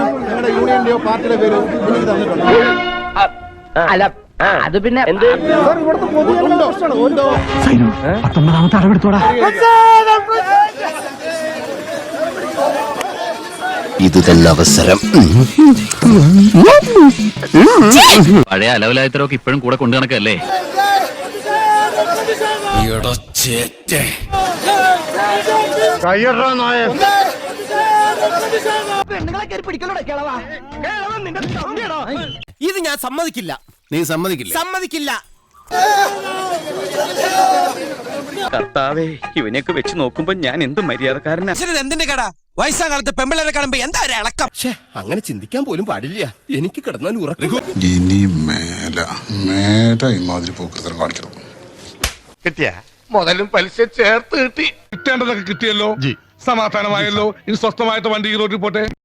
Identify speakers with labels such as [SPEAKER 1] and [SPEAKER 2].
[SPEAKER 1] നിങ്ങളുടെ യൂണിയന്റെയോ പാർട്ടിയുടെ പേരോ എനിക്ക് തന്നിട്ടുണ്ടോ?
[SPEAKER 2] അല്ല അത് പിന്നെ എന്ത്
[SPEAKER 1] സാർ ഇവിടുത്തെ പൊതുജനങ്ങളുടെ പ്രശ്നമാണ്. ഉണ്ടോ?
[SPEAKER 3] 19ാമത്തെ അടവെടുത്തോടാ.
[SPEAKER 4] ഇത് തന്നെ അവസരം.
[SPEAKER 5] പഴയ അലവലായത്തരൊക്കെ ഇപ്പോഴും കൂടെ കൊണ്ടു നടക്കല്ലേ?
[SPEAKER 4] ഇത് ഞാൻ സമ്മതിക്കില്ല. നീ സമ്മതിക്കില്ല? സമ്മതിക്കില്ല.
[SPEAKER 5] കർത്താവേ, ഇവനെയൊക്കെ വെച്ച് നോക്കുമ്പോ ഞാൻ എന്ത് മര്യാദക്കാരനാ.
[SPEAKER 4] എന്തിന്റെ കട വയസ്സാം കാലത്ത് പെമ്പിളരെ കാണുമ്പോ എന്താ ഒരു ഇളക്കം? അങ്ങനെ ചിന്തിക്കാൻ പോലും പാടില്ല. എനിക്ക് കിടന്നാൽ ഉറക്കും.
[SPEAKER 6] ഇനി മേല ഇമാതിരി പോക്കൃതം കാണിക്കണം.
[SPEAKER 7] കിട്ടിയ മുതലും പലിശ ചേർത്ത് കിട്ടി. കിട്ടേണ്ടതൊക്കെ കിട്ടിയല്ലോ, സമാധാനമായല്ലോ. ഇനി സ്വസ്ഥമായിട്ട് വണ്ടി റോഡിൽ പോട്ടെ.